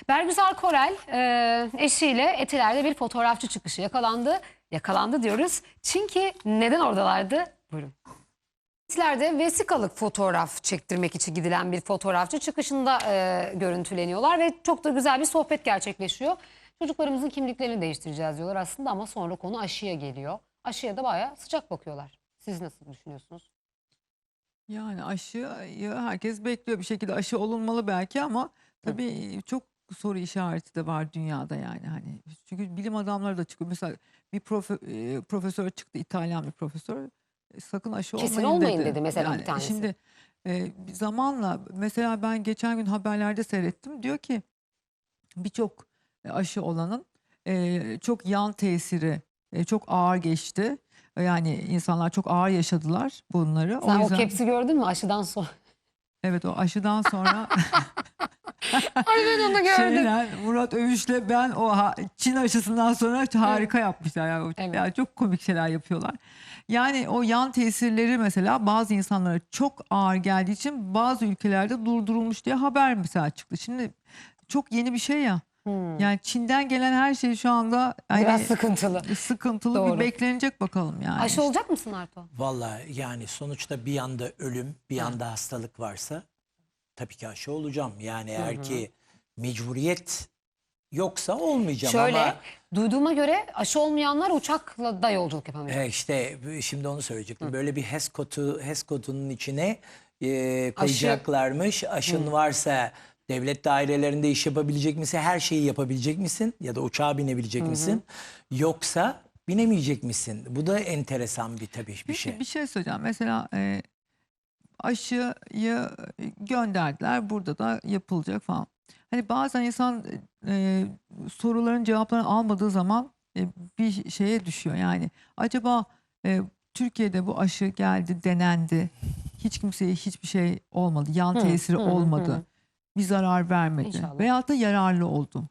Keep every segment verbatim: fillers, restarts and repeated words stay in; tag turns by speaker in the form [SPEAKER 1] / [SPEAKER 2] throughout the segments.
[SPEAKER 1] Bergüzar Korel e, eşiyle Etiler'de bir fotoğrafçı çıkışı yakalandı. Yakalandı diyoruz. Çünkü neden oradalardı? Buyurun. Etiler'de vesikalık fotoğraf çektirmek için gidilen bir fotoğrafçı çıkışında e, görüntüleniyorlar ve çok da güzel bir sohbet gerçekleşiyor. Çocuklarımızın kimliklerini değiştireceğiz diyorlar aslında ama sonra konu aşıya geliyor. Aşıya da bayağı sıcak bakıyorlar. Siz nasıl düşünüyorsunuz?
[SPEAKER 2] Yani aşıyı herkes bekliyor, bir şekilde aşı olunmalı belki ama tabii çok soru işareti de var dünyada yani hani. Çünkü bilim adamları da çıkıyor. Mesela bir profe, e, profesör çıktı, İtalyan bir profesör. E, sakın aşı
[SPEAKER 1] Kesin
[SPEAKER 2] olmayın
[SPEAKER 1] olmayın
[SPEAKER 2] dedi.
[SPEAKER 1] dedi mesela
[SPEAKER 2] Yani
[SPEAKER 1] bir tanesi.
[SPEAKER 2] şimdi e, bir zamanla mesela ben geçen gün haberlerde seyrettim. Diyor ki birçok e, aşı olanın e, çok yan tesiri e, çok ağır geçti. Yani insanlar çok ağır yaşadılar bunları.
[SPEAKER 1] Sen
[SPEAKER 2] O
[SPEAKER 1] o
[SPEAKER 2] yüzden
[SPEAKER 1] kepsi gördün mü aşıdan sonra?
[SPEAKER 2] evet, o aşıdan sonra
[SPEAKER 1] Ay ben onu gördüm.
[SPEAKER 2] şeyler Murat Övüş'le ben o ha- Çin aşısından sonra harika yapmışlar. Yani, o-
[SPEAKER 1] Evet.
[SPEAKER 2] yani çok komik şeyler yapıyorlar. Yani o yan tesirleri mesela bazı insanlara çok ağır geldiği için bazı ülkelerde durdurulmuş diye haber mesela çıktı. Şimdi çok yeni bir şey ya.
[SPEAKER 1] Hmm.
[SPEAKER 2] Yani Çin'den gelen her şey şu anda
[SPEAKER 1] Biraz
[SPEAKER 2] yani
[SPEAKER 1] sıkıntılı.
[SPEAKER 2] sıkıntılı, bir
[SPEAKER 1] Doğru.
[SPEAKER 2] beklenecek bakalım yani.
[SPEAKER 1] Aşı
[SPEAKER 2] işte.
[SPEAKER 1] olacak mısın Arto?
[SPEAKER 3] Vallahi yani sonuçta bir yanda ölüm, bir yanda hastalık varsa tabii ki aşı olacağım. Yani eğer ki mecburiyet yoksa olmayacağım
[SPEAKER 1] Şöyle
[SPEAKER 3] ama
[SPEAKER 1] duyduğuma göre aşı olmayanlar uçakla da yolculuk yapamayacak.
[SPEAKER 3] e, işte şimdi onu söyleyecektim. Böyle bir HES kodu, HES kodunun içine e, koyacaklarmış. Aşın varsa devlet dairelerinde iş yapabilecek misin? Her şeyi yapabilecek misin? Ya da uçağa binebilecek misin? Yoksa binemeyecek misin? Bu da enteresan bir tabii bir
[SPEAKER 2] Peki
[SPEAKER 3] şey.
[SPEAKER 2] bir şey söyleyeceğim. Mesela e, aşıyı gönderdiler. Burada da yapılacak falan. Hani bazen insan e, soruların cevaplarını almadığı zaman e, bir şeye düşüyor. Yani acaba e, Türkiye'de bu aşı geldi, denendi. Hiç kimseye hiçbir şey olmadı. Yan
[SPEAKER 1] Hı,
[SPEAKER 2] tesiri
[SPEAKER 1] hı, hı,
[SPEAKER 2] olmadı.
[SPEAKER 1] hı.
[SPEAKER 2] Bir zarar vermedi.
[SPEAKER 1] İnşallah.
[SPEAKER 2] Veyahut da yararlı oldu.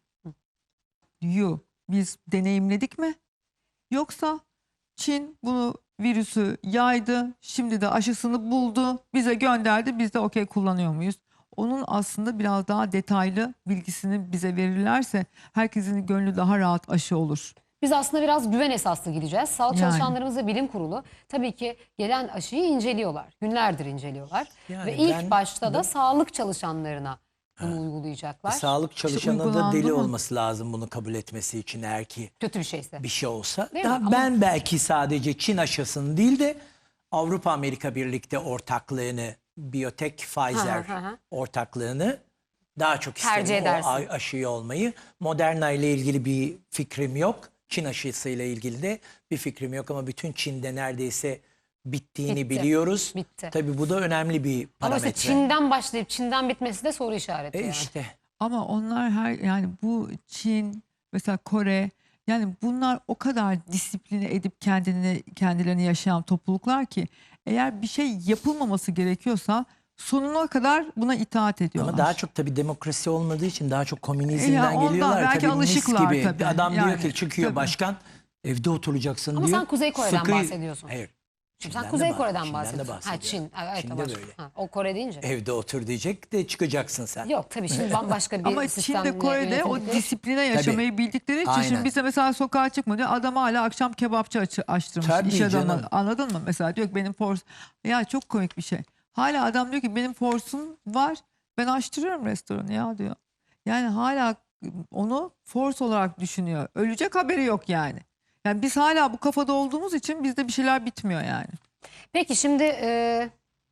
[SPEAKER 2] Diyor. Biz deneyimledik mi? Yoksa Çin bunu, virüsü yaydı. Şimdi de aşısını buldu. Bize gönderdi. Biz de okey kullanıyor muyuz? Onun aslında biraz daha detaylı bilgisini bize verirlerse herkesin gönlü daha rahat aşı olur.
[SPEAKER 1] Biz aslında biraz güven esaslı gideceğiz. Sağlık
[SPEAKER 2] Yani.
[SPEAKER 1] çalışanlarımız ve bilim kurulu tabii ki gelen aşıyı inceliyorlar. Günlerdir inceliyorlar.
[SPEAKER 3] Yani
[SPEAKER 1] ve ilk
[SPEAKER 3] ben
[SPEAKER 1] başta da
[SPEAKER 3] bu-
[SPEAKER 1] sağlık çalışanlarına bunu uygulayacaklar.
[SPEAKER 3] Sağlık çalışanı da
[SPEAKER 2] uygulandı
[SPEAKER 3] deli
[SPEAKER 2] mı?
[SPEAKER 3] olması lazım bunu kabul etmesi için eğer ki
[SPEAKER 1] Kötü bir şeyse.
[SPEAKER 3] bir şey olsa.
[SPEAKER 1] Değil mi?
[SPEAKER 3] Daha
[SPEAKER 1] Ama-
[SPEAKER 3] ben belki sadece Çin aşısını değil de Avrupa Amerika birlikte ortaklığını, Biotech Pfizer
[SPEAKER 1] Hı hı hı.
[SPEAKER 3] ortaklığını daha çok
[SPEAKER 1] Tercih
[SPEAKER 3] isterim o
[SPEAKER 1] edersin.
[SPEAKER 3] a- aşıyı olmayı. Moderna ile ilgili bir fikrim yok. Çin aşısıyla ilgili de bir fikrim yok ama bütün Çin'de neredeyse bittiğini
[SPEAKER 1] Bitti.
[SPEAKER 3] biliyoruz.
[SPEAKER 1] Bitti.
[SPEAKER 3] Tabii bu da önemli bir
[SPEAKER 1] Ama
[SPEAKER 3] parametre.
[SPEAKER 1] işte Çin'den başlayıp Çin'den bitmesi de soru işareti
[SPEAKER 3] E
[SPEAKER 1] yani.
[SPEAKER 3] işte.
[SPEAKER 2] Ama onlar her yani bu Çin, mesela Kore, yani bunlar o kadar disipline edip kendini kendilerini yaşayan topluluklar ki eğer bir şey yapılmaması gerekiyorsa sonuna kadar buna itaat ediyorlar.
[SPEAKER 3] Ama daha çok tabii demokrasi olmadığı için daha çok
[SPEAKER 2] E
[SPEAKER 3] komünizmden
[SPEAKER 2] ya ondan
[SPEAKER 3] geliyorlar.
[SPEAKER 2] belki
[SPEAKER 3] Tabii mis
[SPEAKER 2] alışıklar
[SPEAKER 3] gibi.
[SPEAKER 2] tabii.
[SPEAKER 3] Adam diyor
[SPEAKER 2] Yani,
[SPEAKER 3] ki çıkıyor
[SPEAKER 2] tabii.
[SPEAKER 3] başkan evde oturacaksın
[SPEAKER 1] Ama
[SPEAKER 3] diyor.
[SPEAKER 1] sen Kuzey Kore'den
[SPEAKER 3] Sıkı-
[SPEAKER 1] bahsediyorsun.
[SPEAKER 3] Hayır.
[SPEAKER 1] Şimdi
[SPEAKER 3] Çin'den
[SPEAKER 1] sen
[SPEAKER 3] de
[SPEAKER 1] Kuzey
[SPEAKER 3] bah-
[SPEAKER 1] Kore'den
[SPEAKER 3] Çin'den de
[SPEAKER 1] bahsediyorsun. Ha
[SPEAKER 3] bahsediyorum.
[SPEAKER 1] Çin. Evet,
[SPEAKER 3] Çin'de
[SPEAKER 1] başka.
[SPEAKER 3] böyle.
[SPEAKER 1] Ha, o Kore deyince.
[SPEAKER 3] Evde otur diyecek de çıkacaksın sen.
[SPEAKER 1] Yok tabii şimdi bambaşka bir
[SPEAKER 2] Ama
[SPEAKER 1] sistemle
[SPEAKER 2] Çin'de, Kore'de o
[SPEAKER 1] yönetildikleri için.
[SPEAKER 2] disipline yaşamayı bildikleri için
[SPEAKER 3] Aynen.
[SPEAKER 2] şimdi bize mesela sokağa çıkma diyor. Adam hala akşam kebapçı açı, açtırmış.
[SPEAKER 3] Tabii
[SPEAKER 2] iş adamı.
[SPEAKER 3] canım.
[SPEAKER 2] Anladın mı? Mesela diyor ki benim force. Ya çok komik bir şey. Hala adam diyor ki benim force'um var. Ben açtırıyorum restoranı ya diyor. Yani hala onu force olarak düşünüyor. Ölecek haberi yok yani. Yani biz hala bu kafada olduğumuz için bizde bir şeyler bitmiyor yani.
[SPEAKER 1] Peki şimdi e,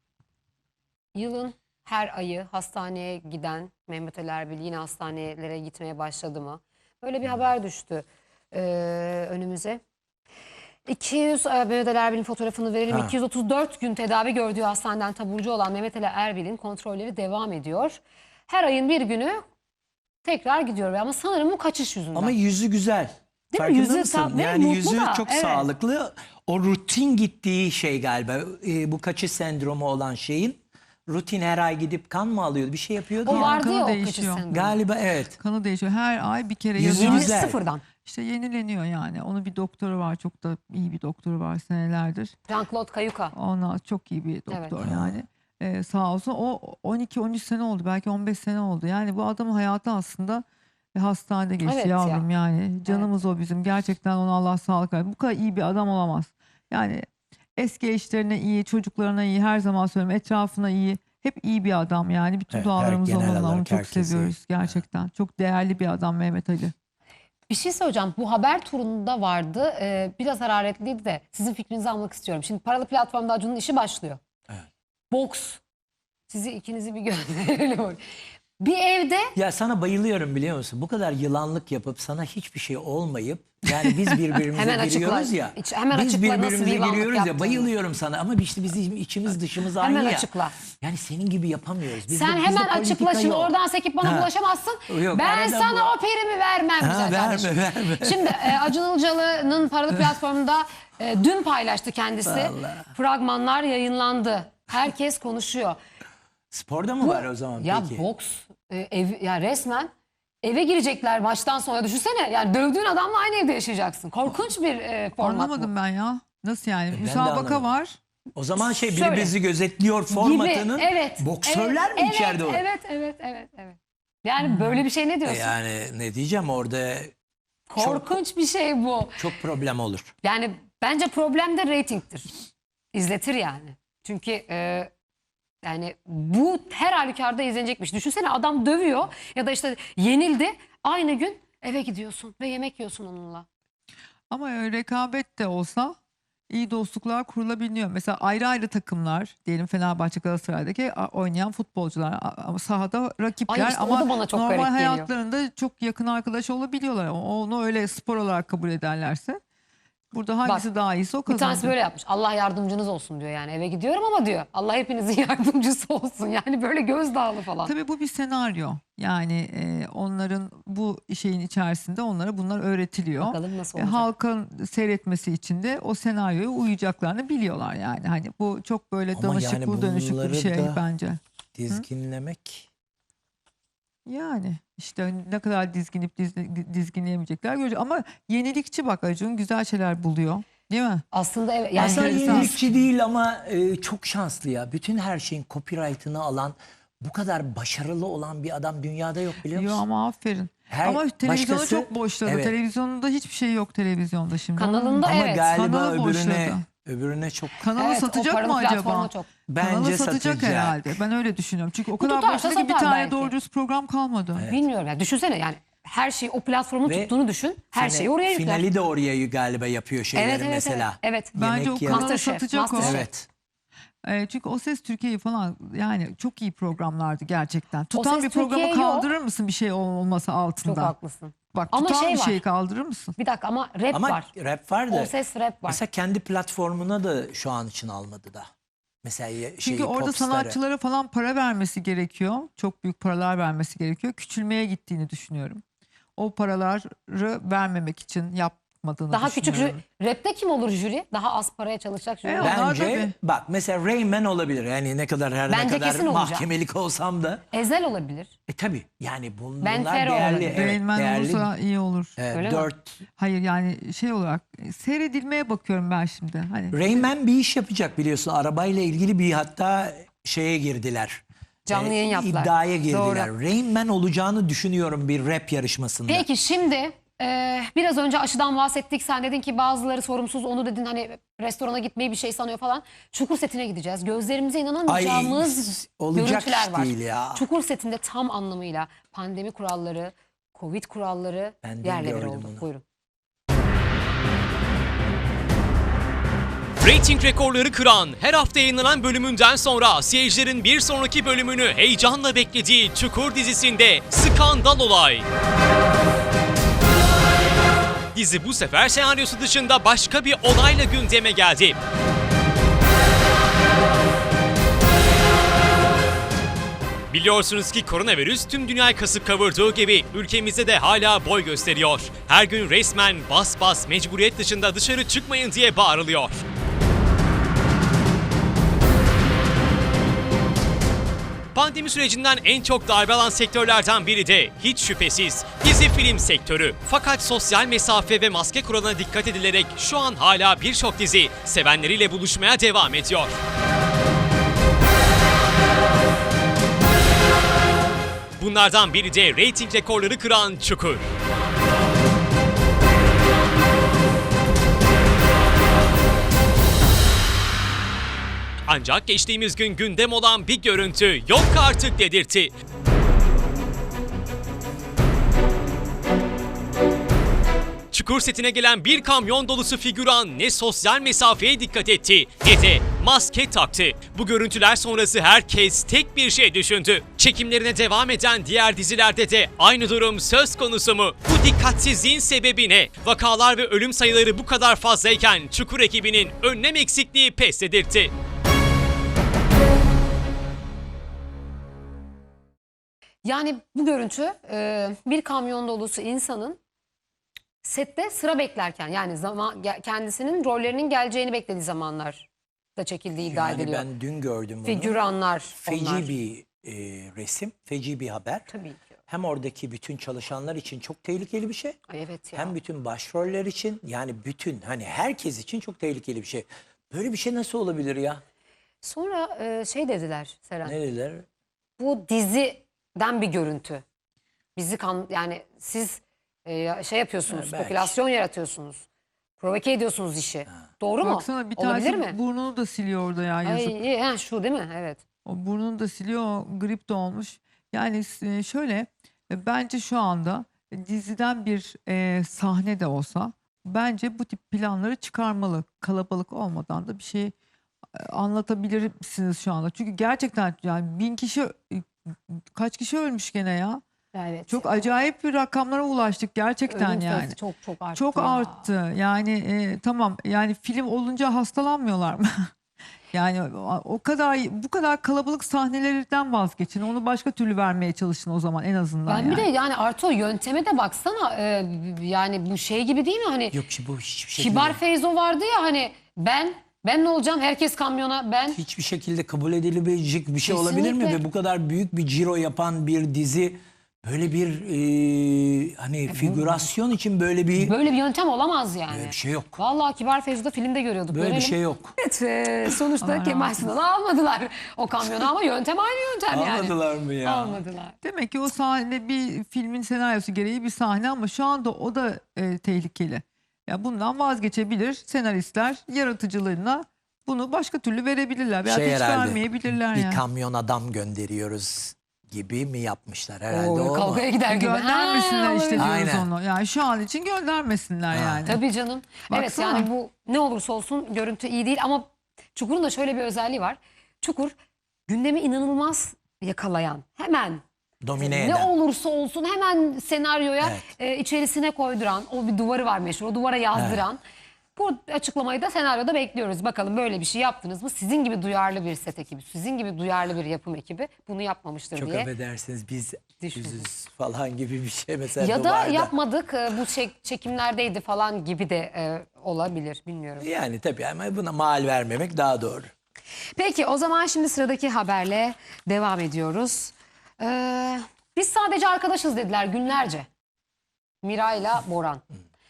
[SPEAKER 1] yılın her ayı hastaneye giden Mehmet Ali Erbil yine hastanelere gitmeye başladı mı? Böyle bir haber düştü e, önümüze. iki yüz e, Mehmet Ali Erbil'in fotoğrafını verelim.
[SPEAKER 3] Ha.
[SPEAKER 1] iki yüz otuz dört gün tedavi gördüğü hastaneden taburcu olan Mehmet Ali Erbil'in kontrolleri devam ediyor. Her ayın bir günü tekrar gidiyor ama sanırım bu kaçış yüzünden.
[SPEAKER 3] Ama yüzü güzel.
[SPEAKER 1] Değil mi?
[SPEAKER 3] Farkında
[SPEAKER 1] Yüzü
[SPEAKER 3] mısın?
[SPEAKER 1] tam- ve
[SPEAKER 3] Yani
[SPEAKER 1] mutlu
[SPEAKER 3] yüzü
[SPEAKER 1] da,
[SPEAKER 3] çok
[SPEAKER 1] evet.
[SPEAKER 3] sağlıklı. O rutin gittiği şey galiba. E, bu kaçış sendromu olan şeyin rutin her ay gidip kan mı alıyordu? Bir şey yapıyordu
[SPEAKER 1] o
[SPEAKER 3] ya.
[SPEAKER 1] vardı
[SPEAKER 2] kanı
[SPEAKER 1] ya o kaçış
[SPEAKER 2] değişiyor.
[SPEAKER 1] sendromu.
[SPEAKER 3] Galiba evet.
[SPEAKER 2] Kanı değişiyor. Her ay bir kere
[SPEAKER 3] Yüzü
[SPEAKER 2] yazıyor.
[SPEAKER 3] güzel.
[SPEAKER 1] Sıfırdan.
[SPEAKER 2] İşte yenileniyor yani. Onun bir doktoru var. Çok da iyi bir doktoru var senelerdir.
[SPEAKER 1] Jean-Claude Kayuka.
[SPEAKER 2] Ona çok iyi bir doktor
[SPEAKER 1] Evet.
[SPEAKER 2] yani. Ee, sağ olsun. O on iki on üç sene oldu. Belki on beş sene oldu. Yani bu adamın hayatı aslında Ve hastanede geçti
[SPEAKER 1] Evet ya.
[SPEAKER 2] yavrum yani. Canımız o bizim. Gerçekten ona Allah sağlık versin. Bu kadar iyi bir adam olamaz. Yani eski eşlerine iyi, çocuklarına iyi, her zaman söylüyorum, etrafına iyi. Hep iyi bir adam yani. Bütün
[SPEAKER 3] Evet, her-
[SPEAKER 2] dualarımız
[SPEAKER 3] genel
[SPEAKER 2] onunla. Onu
[SPEAKER 3] olarak
[SPEAKER 2] çok
[SPEAKER 3] herkese iyi.
[SPEAKER 2] seviyoruz gerçekten. Çok değerli bir adam Mehmet Ali.
[SPEAKER 1] Bir şey söyleyeceğim. Bu haber turunda vardı. Ee, biraz hararetliydi de sizin fikrinizi almak istiyorum. Şimdi paralı platformda Acun'un işi başlıyor.
[SPEAKER 3] Evet.
[SPEAKER 1] Boks. Sizi ikinizi bir gönderelim. Bir evde
[SPEAKER 3] Ya sana bayılıyorum biliyor musun? Bu kadar yılanlık yapıp sana hiçbir şey olmayıp yani biz birbirimize
[SPEAKER 1] Hemen açıkla.
[SPEAKER 3] giriyoruz ya.
[SPEAKER 1] İç- hemen
[SPEAKER 3] biz
[SPEAKER 1] açıkla nasıl bir
[SPEAKER 3] birbirimize
[SPEAKER 1] yılanlık
[SPEAKER 3] giriyoruz ya.
[SPEAKER 1] yaptığını.
[SPEAKER 3] Bayılıyorum sana ama işte bizim içimiz dışımız aynı
[SPEAKER 1] hemen
[SPEAKER 3] ya.
[SPEAKER 1] açıkla.
[SPEAKER 3] Yani senin gibi yapamıyoruz. Bizde-
[SPEAKER 1] Sen
[SPEAKER 3] bizde
[SPEAKER 1] hemen
[SPEAKER 3] politika
[SPEAKER 1] açıkla şimdi,
[SPEAKER 3] yok.
[SPEAKER 1] oradan sekip bana
[SPEAKER 3] Ha.
[SPEAKER 1] bulaşamazsın.
[SPEAKER 3] Yok,
[SPEAKER 1] ben
[SPEAKER 3] arada
[SPEAKER 1] sana
[SPEAKER 3] bu-
[SPEAKER 1] o primi vermem
[SPEAKER 3] Ha,
[SPEAKER 1] güzel
[SPEAKER 3] verme,
[SPEAKER 1] kardeşim.
[SPEAKER 3] verme.
[SPEAKER 1] Şimdi e, Acun Ilıcalı'nın paralı platformunda e, dün paylaştı kendisi.
[SPEAKER 3] Vallahi.
[SPEAKER 1] Fragmanlar yayınlandı. Herkes konuşuyor.
[SPEAKER 3] Sporda mı var o zaman
[SPEAKER 1] Ya
[SPEAKER 3] peki?
[SPEAKER 1] boks e, ev, ya resmen eve girecekler maçtan sonra, düşünsene. Yani dövdüğün adamla aynı evde yaşayacaksın. Korkunç bir e, format
[SPEAKER 2] Anlamadım
[SPEAKER 1] bu.
[SPEAKER 2] ben ya. Nasıl yani?
[SPEAKER 3] Ben de
[SPEAKER 2] Müsabaka
[SPEAKER 3] anlamadım.
[SPEAKER 2] var.
[SPEAKER 3] O zaman şey biri
[SPEAKER 1] Şöyle.
[SPEAKER 3] bizi gözetliyor formatının
[SPEAKER 1] Gibi, evet.
[SPEAKER 3] boksörler
[SPEAKER 1] evet,
[SPEAKER 3] mi içeride
[SPEAKER 1] evet,
[SPEAKER 3] var?
[SPEAKER 1] Evet, evet, evet, evet. Yani böyle bir şey ne
[SPEAKER 3] E
[SPEAKER 1] diyorsun?
[SPEAKER 3] Yani ne diyeceğim orada
[SPEAKER 1] Korkunç bir şey bu.
[SPEAKER 3] çok problem olur.
[SPEAKER 1] Yani bence problem de reytingtir. İzletir yani. Çünkü e, yani bu her halükarda izlenecekmiş. Düşünsene, adam dövüyor ya da işte yenildi. Aynı gün eve gidiyorsun ve yemek yiyorsun onunla.
[SPEAKER 2] Ama öyle rekabet de olsa iyi dostluklar kurulabiliyor. Mesela ayrı ayrı takımlar, diyelim Fenerbahçe, Galatasaray'daki a- oynayan futbolcular a- ama sahada rakipler,
[SPEAKER 1] Ay işte o
[SPEAKER 2] ama
[SPEAKER 1] da bana çok garip
[SPEAKER 2] normal
[SPEAKER 1] geliyor.
[SPEAKER 2] hayatlarında çok yakın arkadaş olabiliyorlar. O- Onu öyle spor olarak kabul ederlerse burada hangisi daha iyisi o
[SPEAKER 1] Bir tanesi
[SPEAKER 2] kazanacak.
[SPEAKER 1] böyle yapmış. Allah yardımcınız olsun diyor yani. Eve gidiyorum ama diyor, Allah hepinizin yardımcısı olsun. Yani böyle gözdağlı falan.
[SPEAKER 2] Tabii bu bir senaryo. Yani e, onların bu şeyin içerisinde onlara bunlar öğretiliyor.
[SPEAKER 1] Bakalım nasıl
[SPEAKER 2] E,
[SPEAKER 1] olacak.
[SPEAKER 2] halkın seyretmesi için de o senaryoya uyacaklarını biliyorlar yani. Hani bu çok böyle
[SPEAKER 3] Ama
[SPEAKER 2] danışıklı
[SPEAKER 3] yani
[SPEAKER 2] dönüşüklü
[SPEAKER 3] bunları
[SPEAKER 2] bir şey
[SPEAKER 3] da-
[SPEAKER 2] bence.
[SPEAKER 3] Dizginlemek.
[SPEAKER 2] Yani işte ne kadar dizginip diz- dizginleyemeyecekler göreceğiz. Ama yenilikçi bak, Acun güzel şeyler buluyor. Değil mi?
[SPEAKER 1] Aslında evet. Yani
[SPEAKER 3] Aslında
[SPEAKER 2] enteresan.
[SPEAKER 3] yenilikçi değil ama e, çok şanslı ya. Bütün her şeyin copyright'ını alan, bu kadar başarılı olan bir adam dünyada yok biliyor
[SPEAKER 2] Yo
[SPEAKER 3] musun?
[SPEAKER 2] ama aferin.
[SPEAKER 3] Her
[SPEAKER 2] ama televizyonu
[SPEAKER 3] başkası-
[SPEAKER 2] çok boşladı.
[SPEAKER 3] Evet.
[SPEAKER 2] Televizyonda hiçbir şey yok televizyonda şimdi.
[SPEAKER 1] Kanalında
[SPEAKER 3] Ama
[SPEAKER 1] evet.
[SPEAKER 3] galiba
[SPEAKER 2] Kanalı
[SPEAKER 3] öbürüne
[SPEAKER 2] boşladı.
[SPEAKER 3] öbürüne çok
[SPEAKER 2] Kanalı
[SPEAKER 1] Evet, o
[SPEAKER 2] satacak
[SPEAKER 1] paralı
[SPEAKER 2] mı acaba?
[SPEAKER 1] platforma çok.
[SPEAKER 3] bence
[SPEAKER 2] Kanalı satacak,
[SPEAKER 3] satacak.
[SPEAKER 2] herhalde. Ben öyle düşünüyorum. Çünkü o
[SPEAKER 1] Bu
[SPEAKER 2] kadar
[SPEAKER 1] tutarsa
[SPEAKER 2] boşladı ki bir
[SPEAKER 1] satar
[SPEAKER 2] tane
[SPEAKER 1] belki.
[SPEAKER 2] doğru dürüst program kalmadı.
[SPEAKER 1] Bilmiyorum yani, düşünsene yani her şeyi o platformun
[SPEAKER 3] Ve
[SPEAKER 1] tuttuğunu düşün. Her
[SPEAKER 3] Fina-
[SPEAKER 1] şeyi oraya yükler.
[SPEAKER 3] Finali de oraya galiba yapıyor şeyleri
[SPEAKER 1] Evet evet
[SPEAKER 3] mesela.
[SPEAKER 1] evet. evet.
[SPEAKER 2] Bence
[SPEAKER 3] Yemek
[SPEAKER 2] o
[SPEAKER 3] yer-
[SPEAKER 2] kanalı
[SPEAKER 1] Masterchef,
[SPEAKER 2] satacak o.
[SPEAKER 1] Masterchef.
[SPEAKER 3] Evet.
[SPEAKER 2] E, çünkü O Ses Türkiye'yi falan, yani çok iyi programlardı gerçekten. Tutan
[SPEAKER 1] Ses
[SPEAKER 2] bir programı
[SPEAKER 1] Türkiye yok.
[SPEAKER 2] kaldırır mısın bir şey olması
[SPEAKER 1] Çok
[SPEAKER 2] altında?
[SPEAKER 1] haklısın.
[SPEAKER 2] Bak
[SPEAKER 1] Ama
[SPEAKER 2] tutan
[SPEAKER 1] şey
[SPEAKER 2] bir
[SPEAKER 1] var.
[SPEAKER 2] şeyi kaldırır mısın?
[SPEAKER 1] Bir dakika ama rap
[SPEAKER 3] Ama
[SPEAKER 1] var.
[SPEAKER 3] rap var da
[SPEAKER 1] O ses rap var.
[SPEAKER 3] mesela kendi platformuna da şu an için almadı da. Mesela ye-
[SPEAKER 2] Çünkü
[SPEAKER 3] şeyi,
[SPEAKER 2] orada
[SPEAKER 3] popstarı.
[SPEAKER 2] sanatçılara falan para vermesi gerekiyor. Çok büyük paralar vermesi gerekiyor. Küçülmeye gittiğini düşünüyorum. O paraları vermemek için yapmadığını
[SPEAKER 1] Daha küçük
[SPEAKER 2] düşünüyorum.
[SPEAKER 1] jüri. Rapte kim olur jüri? Daha az paraya çalışacak jüri.
[SPEAKER 2] E,
[SPEAKER 1] var.
[SPEAKER 2] Onlar
[SPEAKER 3] Bence
[SPEAKER 2] tabii.
[SPEAKER 3] bak mesela Rayman olabilir. Yani ne kadar her
[SPEAKER 1] Bence
[SPEAKER 3] ne kadar
[SPEAKER 1] kesin olacak.
[SPEAKER 3] mahkemelik olsam da.
[SPEAKER 1] Ezel olabilir.
[SPEAKER 3] E tabi yani bun,
[SPEAKER 1] Ben
[SPEAKER 3] bunlar
[SPEAKER 1] Fero
[SPEAKER 3] değerli.
[SPEAKER 1] olabilir.
[SPEAKER 3] Evet,
[SPEAKER 2] Rain Man
[SPEAKER 3] değerli.
[SPEAKER 2] olursa iyi olur.
[SPEAKER 3] e,
[SPEAKER 1] Öyle mi?
[SPEAKER 3] dört.
[SPEAKER 2] Hayır yani şey olarak e, seyredilmeye bakıyorum ben şimdi. Hani
[SPEAKER 3] Rayman bir iş yapacak biliyorsun. Arabayla ilgili bir hatta şeye girdiler.
[SPEAKER 1] Canlı
[SPEAKER 3] E,
[SPEAKER 1] yayın yaptılar.
[SPEAKER 3] İddiaya girdiler.
[SPEAKER 1] Doğru.
[SPEAKER 3] Rayman olacağını düşünüyorum bir rap yarışmasında.
[SPEAKER 1] Peki şimdi e, biraz önce aşıdan bahsettik. Sen dedin ki bazıları sorumsuz, onu dedin hani restorana gitmeyi bir şey sanıyor falan. Çukur setine gideceğiz. Gözlerimize inanamayacağımız
[SPEAKER 3] olacak
[SPEAKER 1] görüntüler
[SPEAKER 3] iş
[SPEAKER 1] var.
[SPEAKER 3] değil ya.
[SPEAKER 1] Çukur setinde tam anlamıyla pandemi kuralları, Covid kuralları
[SPEAKER 3] Ben de
[SPEAKER 1] yerle bir
[SPEAKER 3] gördüm
[SPEAKER 1] oldu.
[SPEAKER 3] onu.
[SPEAKER 1] Buyurun.
[SPEAKER 4] Rating rekorları kıran, her hafta yayınlanan bölümünden sonra seyircilerin bir sonraki bölümünü heyecanla beklediği Çukur dizisinde skandal olay. Dizi bu sefer senaryosu dışında başka bir olayla gündeme geldi. Biliyorsunuz ki koronavirüs tüm dünyayı kasıp kavurduğu gibi ülkemizde de hala boy gösteriyor. Her gün resmen bas bas mecburiyet dışında dışarı çıkmayın diye bağırılıyor. Pandemi sürecinden en çok darbe alan sektörlerden biri de hiç şüphesiz dizi film sektörü. Fakat sosyal mesafe ve maske kuralına dikkat edilerek şu an hala birçok dizi sevenleriyle buluşmaya devam ediyor. Bunlardan biri de reyting rekorları kıran Çukur. Ancak geçtiğimiz gün gündem olan bir görüntü yok artık dedirtti. Çukur setine gelen bir kamyon dolusu figüran ne sosyal mesafeye dikkat etti ne de maske taktı. Bu görüntüler sonrası herkes tek bir şey düşündü. Çekimlerine devam eden diğer dizilerde de aynı durum söz konusu mu? Bu dikkatsizliğin sebebi ne? Vakalar ve ölüm sayıları bu kadar fazlayken Çukur ekibinin önlem eksikliği pes dedirtti.
[SPEAKER 1] Yani bu görüntü e, bir kamyon dolusu insanın sette sıra beklerken, yani zaman ge- kendisinin rollerinin geleceğini beklediği zamanlarda çekildiği iddia
[SPEAKER 3] Yani
[SPEAKER 1] ediliyor.
[SPEAKER 3] ben dün gördüm bunu.
[SPEAKER 1] Figüranlar
[SPEAKER 3] Feci
[SPEAKER 1] onlar.
[SPEAKER 3] bir e, resim, feci bir haber.
[SPEAKER 1] Tabii ki.
[SPEAKER 3] Hem oradaki bütün çalışanlar için çok tehlikeli bir şey.
[SPEAKER 1] Ay evet ya.
[SPEAKER 3] Hem bütün başroller için, yani bütün hani herkes için çok tehlikeli bir şey. Böyle bir şey nasıl olabilir ya?
[SPEAKER 1] Sonra e, şey dediler Seren.
[SPEAKER 3] Ne dediler?
[SPEAKER 1] Bu diziden bir görüntü. Bizi kan yani siz e, şey yapıyorsunuz,
[SPEAKER 3] Ha, belki.
[SPEAKER 1] spekülasyon yaratıyorsunuz. Provoke ediyorsunuz işi. Doğru mu?
[SPEAKER 2] Baksana bir
[SPEAKER 1] Olabilir
[SPEAKER 2] tanesi
[SPEAKER 1] mi?
[SPEAKER 2] burnunu da siliyor orada ya yazık.
[SPEAKER 1] Ay, iyi, ha, şu değil mi? Evet.
[SPEAKER 2] O burnunu da siliyor, o grip de olmuş. Yani e, şöyle e, bence şu anda diziden bir e, sahne de olsa bence bu tip planları çıkarmalı. Kalabalık olmadan da bir şey e, anlatabilirsiniz şu anda. Çünkü gerçekten yani bin kişi e, kaç kişi ölmüş gene ya.
[SPEAKER 1] Evet.
[SPEAKER 2] Çok
[SPEAKER 1] ya.
[SPEAKER 2] acayip bir rakamlara ulaştık gerçekten
[SPEAKER 1] Ölüm sayısı
[SPEAKER 2] yani.
[SPEAKER 1] Çok çok arttı.
[SPEAKER 2] Çok
[SPEAKER 1] ya.
[SPEAKER 2] arttı. Yani e, tamam yani film olunca hastalanmıyorlar mı? Yani o o kadar bu kadar kalabalık sahnelerden vazgeçin. Onu başka türlü vermeye çalışın o zaman en azından.
[SPEAKER 1] Ben
[SPEAKER 2] yani.
[SPEAKER 1] bir de yani artı o yönteme de baksana e, yani bu şey gibi değil mi hani
[SPEAKER 3] Yok ki bu hiçbir şekilde,
[SPEAKER 1] Kibar Feyzo vardı ya hani ben ben ne olacağım herkes kamyona ben
[SPEAKER 3] hiçbir şekilde kabul edilebilecek bir şey olabilir mi?
[SPEAKER 1] Kesinlikle.
[SPEAKER 3] Ve bu kadar büyük bir ciro yapan bir dizi böyle bir e, hani figürasyon için böyle bir,
[SPEAKER 1] böyle bir yöntem olamaz yani.
[SPEAKER 3] böyle bir şey yok.
[SPEAKER 1] Vallahi Kibar Feyzo'da filmde görüyorduk.
[SPEAKER 3] Böyle bir
[SPEAKER 1] görelim.
[SPEAKER 3] şey yok.
[SPEAKER 1] Evet e, sonuçta
[SPEAKER 2] Allah
[SPEAKER 1] Kemal
[SPEAKER 2] razı
[SPEAKER 1] Sunal'ı almadılar o kamyona ama yöntem aynı yöntem yani.
[SPEAKER 3] Almadılar mı ya?
[SPEAKER 1] Almadılar.
[SPEAKER 2] Demek ki o sahne bir filmin senaryosu gereği bir sahne ama şu anda o da e, tehlikeli. Ya bundan vazgeçebilir senaristler yaratıcılığına bunu başka türlü verebilirler veya
[SPEAKER 3] Şey
[SPEAKER 2] hiç
[SPEAKER 3] herhalde,
[SPEAKER 2] vermeyebilirler
[SPEAKER 3] bir
[SPEAKER 2] yani.
[SPEAKER 3] kamyon adam gönderiyoruz gibi mi yapmışlar herhalde
[SPEAKER 1] Oo,
[SPEAKER 3] o mu?
[SPEAKER 1] kavgaya gider gibi.
[SPEAKER 2] Göndermesinler
[SPEAKER 1] Ha,
[SPEAKER 2] işte diyoruz
[SPEAKER 3] Aynen.
[SPEAKER 2] onu. Yani şu an için göndermesinler yani.
[SPEAKER 1] Tabii canım. Evet
[SPEAKER 2] Baksana.
[SPEAKER 1] yani bu ne olursa olsun görüntü iyi değil ama Çukur'un da şöyle bir özelliği var. Çukur gündemi inanılmaz yakalayan, hemen
[SPEAKER 3] Domine
[SPEAKER 1] ne
[SPEAKER 3] eden.
[SPEAKER 1] olursa olsun hemen senaryoya
[SPEAKER 3] Evet.
[SPEAKER 1] e, içerisine koyduran, o bir duvarı var meşhur, o duvara yazdıran. Bu açıklamayı da senaryoda bekliyoruz. Bakalım böyle bir şey yaptınız mı? Sizin gibi duyarlı bir set ekibi, sizin gibi duyarlı bir yapım ekibi bunu yapmamıştır
[SPEAKER 3] Çok
[SPEAKER 1] diye.
[SPEAKER 3] affedersiniz biz
[SPEAKER 1] Düşündüm.
[SPEAKER 3] yüzüz falan gibi bir şey mesela
[SPEAKER 1] Ya da
[SPEAKER 3] duvarda.
[SPEAKER 1] yapmadık, e, bu çek- çekimlerdeydi falan gibi de e, olabilir, bilmiyorum.
[SPEAKER 3] Yani tabii ama buna mal vermemek daha doğru.
[SPEAKER 1] Peki o zaman şimdi sıradaki haberle devam ediyoruz. Ee, biz sadece arkadaşız dediler günlerce. Miray'la Boran.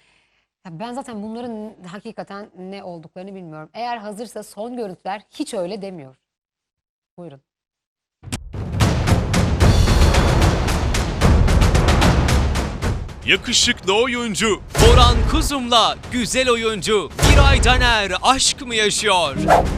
[SPEAKER 1] Ya ben zaten bunların hakikaten ne olduklarını bilmiyorum. Eğer hazırsa son görüntüler hiç öyle demiyor. Buyurun.
[SPEAKER 4] Yakışıklı oyuncu Boran Kuzum'la güzel oyuncu Miray Daner aşk mı yaşıyor?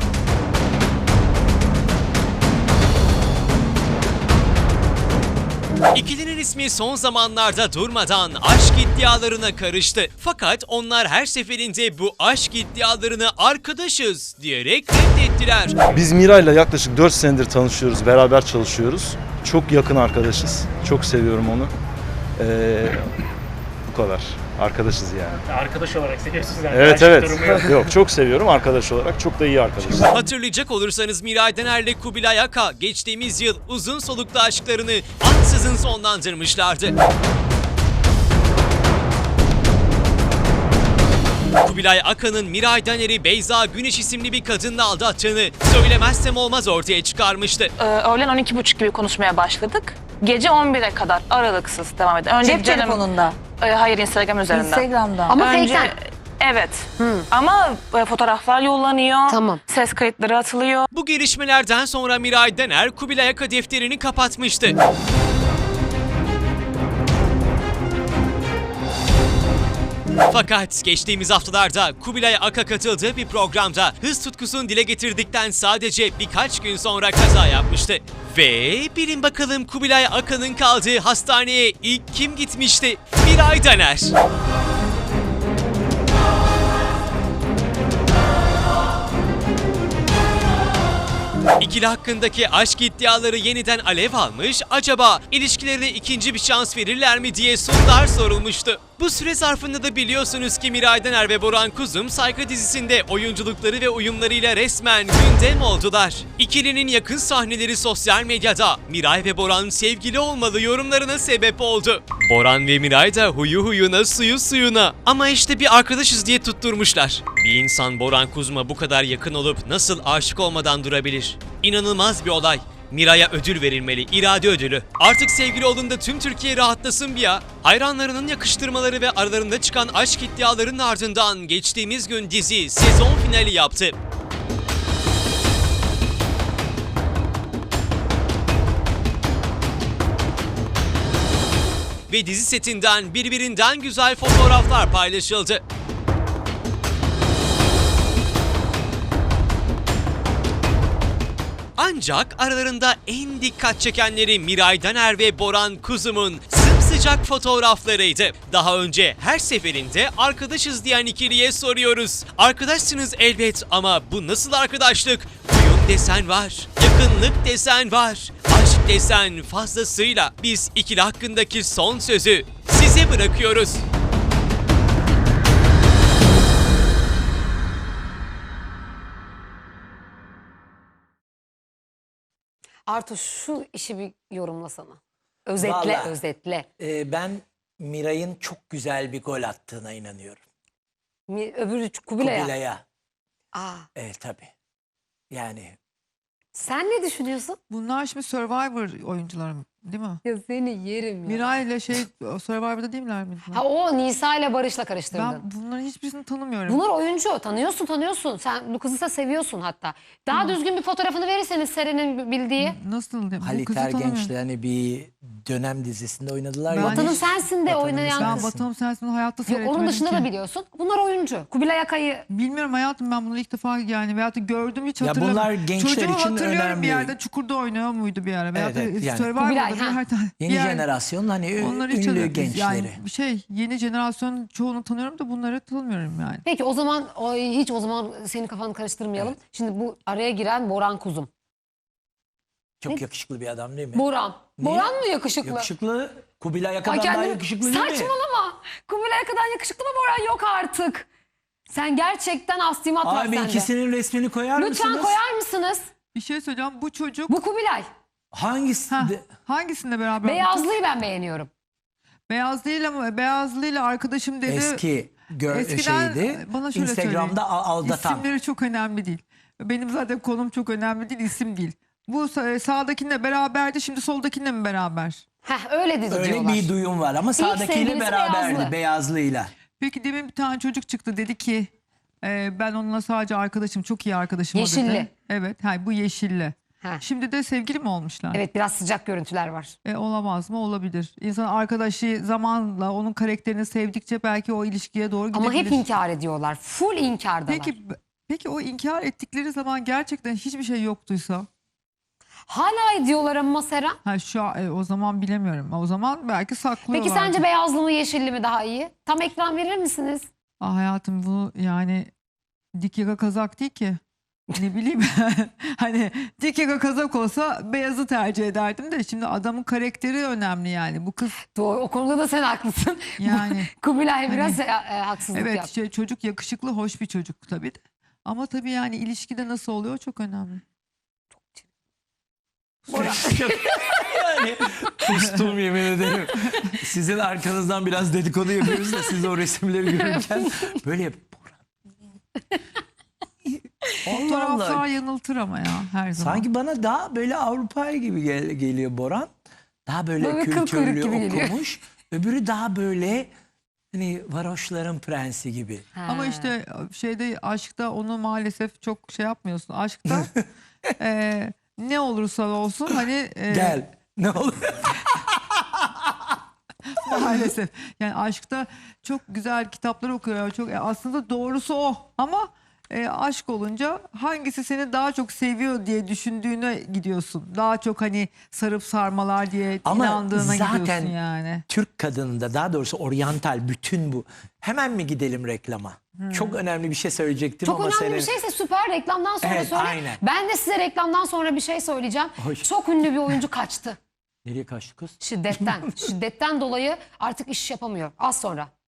[SPEAKER 4] İkilinin ismi son zamanlarda durmadan aşk iddialarına karıştı. Fakat onlar her seferinde bu aşk iddialarını arkadaşız diyerek reddettiler.
[SPEAKER 5] Biz Miray'la yaklaşık dört senedir tanışıyoruz, beraber çalışıyoruz. Çok yakın arkadaşız. Çok seviyorum onu. Ee, bu kadar. Arkadaşız yani.
[SPEAKER 6] Arkadaş olarak seviyorsunuz yani.
[SPEAKER 5] Evet
[SPEAKER 6] Aşk
[SPEAKER 5] evet.
[SPEAKER 6] durumu yok.
[SPEAKER 5] Yok çok seviyorum arkadaş olarak. Çok da iyi arkadaşız.
[SPEAKER 4] Hatırlayacak olursanız Miray Daner'le Kubilay Aka geçtiğimiz yıl uzun soluklu aşklarını ansızın sonlandırmışlardı. Kubilay Aka'nın Miray Daner'i Beyza Güneş isimli bir kadınla aldattığını söylemezsem olmaz ortaya çıkarmıştı.
[SPEAKER 7] Ee, öğlen on iki buçuk gibi konuşmaya başladık. Gece on bire kadar aralıksız devam etti. Önce
[SPEAKER 8] Cep
[SPEAKER 7] canım-
[SPEAKER 8] telefonunda,
[SPEAKER 7] Ee, hayır Instagram üzerinden.
[SPEAKER 8] Instagram'da.
[SPEAKER 1] Ama
[SPEAKER 7] Önce
[SPEAKER 1] fake'ten.
[SPEAKER 7] evet. Ama e, fotoğraflar yollanıyor.
[SPEAKER 1] Tamam.
[SPEAKER 7] Ses kayıtları atılıyor.
[SPEAKER 4] Bu gelişmelerden sonra Miray Daner Kubilay Aka defterini kapatmıştı. Fakat geçtiğimiz haftalarda Kubilay Aka katıldığı bir programda hız tutkusunu dile getirdikten sadece birkaç gün sonra kaza yapmıştı. Ve bilin bakalım Kubilay Aka'nın kaldığı hastaneye ilk kim gitmişti? Miray Daner. İkili hakkındaki aşk iddiaları yeniden alev almış, acaba ilişkilerine ikinci bir şans verirler mi diye sorular sorulmuştu. Bu süre zarfında da biliyorsunuz ki Miray Daner ve Boran Kuzum Saygı dizisinde oyunculukları ve uyumlarıyla resmen gündem oldular. İkilinin yakın sahneleri sosyal medyada Miray ve Boran sevgili olmalı yorumlarına sebep oldu. Boran ve Miray da huyu huyuna suyu suyuna. Ama işte bir arkadaşız diye tutturmuşlar. Bir insan Boran Kuzum'a bu kadar yakın olup nasıl aşık olmadan durabilir? İnanılmaz bir olay. Miray'a ödül verilmeli, irade ödülü. Artık sevgili olduğunda tüm Türkiye rahatlasın bir ya. Hayranlarının yakıştırmaları ve aralarında çıkan aşk iddialarının ardından geçtiğimiz gün dizi sezon finali yaptı. Ve dizi setinden birbirinden güzel fotoğraflar paylaşıldı. Ancak aralarında en dikkat çekenleri Miray Daner ve Boran Kuzum'un sımsıcak fotoğraflarıydı. Daha önce her seferinde arkadaşız diyen ikiliye soruyoruz. Arkadaşsınız elbet ama bu nasıl arkadaşlık? Uyum desen var, yakınlık desen var, aşk desen fazlasıyla. Biz ikili hakkındaki son sözü size bırakıyoruz.
[SPEAKER 1] Artu şu işi bir yorumlasana. Özetle,
[SPEAKER 3] Vallahi,
[SPEAKER 1] özetle.
[SPEAKER 3] e, ben Miray'ın çok güzel bir gol attığına inanıyorum.
[SPEAKER 1] Mi- Öbürü Kubilay'a.
[SPEAKER 3] Kubilay'a.
[SPEAKER 1] Aa,
[SPEAKER 3] Evet tabii. Yani
[SPEAKER 1] sen ne düşünüyorsun?
[SPEAKER 2] Bunlar şimdi Survivor oyuncuları değil mi?
[SPEAKER 1] Ya seni yerim ya.
[SPEAKER 2] Miray ile şey Survivor'da değil miler miydi?
[SPEAKER 1] Ha o Nisa ile Barış'la karıştırdın.
[SPEAKER 2] Ben bunların hiçbirisini tanımıyorum.
[SPEAKER 1] Bunlar oyuncu. Tanıyorsun tanıyorsun. Sen bu kızı da seviyorsun hatta. Daha düzgün bir fotoğrafını verirseniz Seren'in bildiği.
[SPEAKER 2] Nasıl? Bu
[SPEAKER 3] Halit
[SPEAKER 2] kızı tanımıyorum.
[SPEAKER 3] Ergenç'le hani bir dönem dizisinde oynadılar
[SPEAKER 2] Ben
[SPEAKER 3] ya.
[SPEAKER 1] Vatanım
[SPEAKER 2] hiç-
[SPEAKER 1] Sensin de
[SPEAKER 3] Vatanım
[SPEAKER 1] oynayan
[SPEAKER 2] Ben
[SPEAKER 1] kız.
[SPEAKER 2] Batı'nın Sensin'i hayatta
[SPEAKER 1] Yok,
[SPEAKER 2] seyretmedim
[SPEAKER 1] onun dışında
[SPEAKER 2] ki.
[SPEAKER 1] da biliyorsun. Bunlar oyuncu. Kubilay Akay'ı
[SPEAKER 2] Bilmiyorum hayatım, ben bunu ilk defa yani veyahut da gördüm hiç
[SPEAKER 3] Ya
[SPEAKER 2] hatırlamıyorum.
[SPEAKER 3] bunlar gençler
[SPEAKER 2] Çocuğu
[SPEAKER 3] için
[SPEAKER 2] hatırlıyorum
[SPEAKER 3] önemli.
[SPEAKER 2] bir yerde, Çukur'da oynuyor muydu bir ara? Veyahut da
[SPEAKER 3] Evet, yani.
[SPEAKER 2] Survivor'da
[SPEAKER 1] Kubilay,
[SPEAKER 2] bir
[SPEAKER 1] ha.
[SPEAKER 2] her tane.
[SPEAKER 3] Yeni
[SPEAKER 2] bir yer-
[SPEAKER 3] jenerasyon hani
[SPEAKER 2] Onları hiç
[SPEAKER 3] ünlü
[SPEAKER 2] hatırlamıyorum.
[SPEAKER 3] gençleri.
[SPEAKER 2] Yani şey yeni jenerasyon çoğunu tanıyorum da bunları tanımıyorum yani.
[SPEAKER 1] Peki o zaman o, hiç o zaman senin kafanı karıştırmayalım. Şimdi bu araya giren Boran Kuzum.
[SPEAKER 3] Çok
[SPEAKER 1] Ne?
[SPEAKER 3] yakışıklı bir adam değil mi?
[SPEAKER 1] Boran.
[SPEAKER 3] Niye?
[SPEAKER 1] Boran mı yakışıklı?
[SPEAKER 3] Yakışıklı. Kubilay
[SPEAKER 1] Ay
[SPEAKER 3] Aka'dan daha
[SPEAKER 1] kendim-
[SPEAKER 3] yakışıklı değil mi?
[SPEAKER 1] Saçmalama. Kubilay Aka'dan yakışıklı mı Boran? Yok artık. Sen gerçekten astimat var
[SPEAKER 3] Abi
[SPEAKER 1] sende.
[SPEAKER 3] ikisinin resmini koyar
[SPEAKER 1] Lütfen
[SPEAKER 3] mısınız?
[SPEAKER 1] koyar mısınız?
[SPEAKER 2] Bir şey söyleyeceğim, bu çocuk
[SPEAKER 1] Bu Kubilay.
[SPEAKER 3] Hangisi?
[SPEAKER 2] ha,
[SPEAKER 3] de-
[SPEAKER 2] hangisinde beraber?
[SPEAKER 1] Beyazlıyı ben beğeniyorum.
[SPEAKER 2] Beyazlıyla mı? Beyazlıyla arkadaşım dedi.
[SPEAKER 3] Eski gör
[SPEAKER 2] Eskiden
[SPEAKER 3] şeydi.
[SPEAKER 2] bana şöyle
[SPEAKER 3] Instagram'da
[SPEAKER 2] söyleyin.
[SPEAKER 3] al- aldatan.
[SPEAKER 2] İsimleri çok önemli değil. Benim zaten konum çok önemli değil, isim değil. Bu sa- sağdakinle beraberdi, şimdi soldakinle mi beraber?
[SPEAKER 1] Heh öyle dizi
[SPEAKER 3] Öyle
[SPEAKER 1] diyorlar.
[SPEAKER 3] bir duyum var ama sağdakiyle
[SPEAKER 1] sevgilisi
[SPEAKER 3] beraberdi
[SPEAKER 1] Beyazlı.
[SPEAKER 3] Beyazlı'yla.
[SPEAKER 2] Peki demin bir tane çocuk çıktı, dedi ki e, ben onunla sadece arkadaşım, çok iyi arkadaşım o
[SPEAKER 1] Yeşilli.
[SPEAKER 2] dedi. Evet, hayır, bu yeşilli.
[SPEAKER 1] Heh.
[SPEAKER 2] Şimdi de sevgili mi olmuşlar?
[SPEAKER 1] Evet biraz sıcak görüntüler var.
[SPEAKER 2] E, olamaz mı? Olabilir. İnsan arkadaşı zamanla onun karakterini sevdikçe belki o ilişkiye doğru gidebilir.
[SPEAKER 1] Ama hep inkar ediyorlar. Full inkardalar.
[SPEAKER 2] Peki, peki o inkar ettikleri zaman gerçekten hiçbir şey yoktuysa?
[SPEAKER 1] Hala ediyorlar ama Seren.
[SPEAKER 2] Ha şu an- e, o zaman bilemiyorum. O zaman belki saklıyorlar.
[SPEAKER 1] Peki sence beyazlı mı yeşilli mi daha iyi? Tam ekran verir misiniz?
[SPEAKER 2] Ah hayatım, bu yani dik yaka kazak değil ki. Ne bileyim hani dik yaka kazak olsa beyazı tercih ederdim de şimdi adamın karakteri önemli yani. Bu kız
[SPEAKER 1] Doğru, o konuda da sen haklısın.
[SPEAKER 2] yani
[SPEAKER 1] Kubilay biraz e, e, haksızlık
[SPEAKER 2] evet
[SPEAKER 1] yaptı.
[SPEAKER 2] şey, çocuk yakışıklı, hoş bir çocuk tabii de. Ama tabii yani ilişkide nasıl oluyor çok önemli.
[SPEAKER 3] Yani kustum yemin ederim. Sizin arkanızdan biraz dedikodu yapıyoruz da siz o resimleri görürken böyle yap. Allah
[SPEAKER 2] Fotoğraflar
[SPEAKER 3] Allah.
[SPEAKER 2] yanıltır ama ya her zaman.
[SPEAKER 3] Sanki bana daha böyle Avrupa'ya gibi gel- geliyor Boran. Daha böyle,
[SPEAKER 1] Böyle kıl kuyruk
[SPEAKER 3] kültürlü
[SPEAKER 1] gibi geliyor.
[SPEAKER 3] okumuş. Öbürü daha böyle hani varoşların prensi gibi.
[SPEAKER 2] Ama işte şeyde, aşkta onu maalesef çok şey yapmıyorsun. Aşkta e, ne olursa olsun hani e,
[SPEAKER 3] Gel. Ne olur?
[SPEAKER 2] Maalesef. Yani aşkta çok güzel kitaplar okuyor. Çok e, aslında doğrusu o. Ama e, aşk olunca hangisi seni daha çok seviyor diye düşündüğüne gidiyorsun. Daha çok hani sarıp sarmalar diye
[SPEAKER 3] Ama
[SPEAKER 2] inandığına
[SPEAKER 3] zaten
[SPEAKER 2] gidiyorsun yani.
[SPEAKER 3] Türk kadınında, daha doğrusu oryantal bütün bu. Hemen mi gidelim reklama? Çok önemli bir şey söyleyecektim
[SPEAKER 1] Çok
[SPEAKER 3] ama
[SPEAKER 1] önemli
[SPEAKER 3] senin...
[SPEAKER 1] bir şeyse süper, reklamdan sonra
[SPEAKER 3] Evet,
[SPEAKER 1] söyle.
[SPEAKER 3] aynen.
[SPEAKER 1] Ben de size reklamdan sonra bir şey söyleyeceğim.
[SPEAKER 3] Hoş.
[SPEAKER 1] Çok ünlü bir oyuncu kaçtı.
[SPEAKER 3] Nereye kaçtı kız?
[SPEAKER 1] Şiddetten. Şiddetten dolayı artık iş yapamıyor. Az sonra.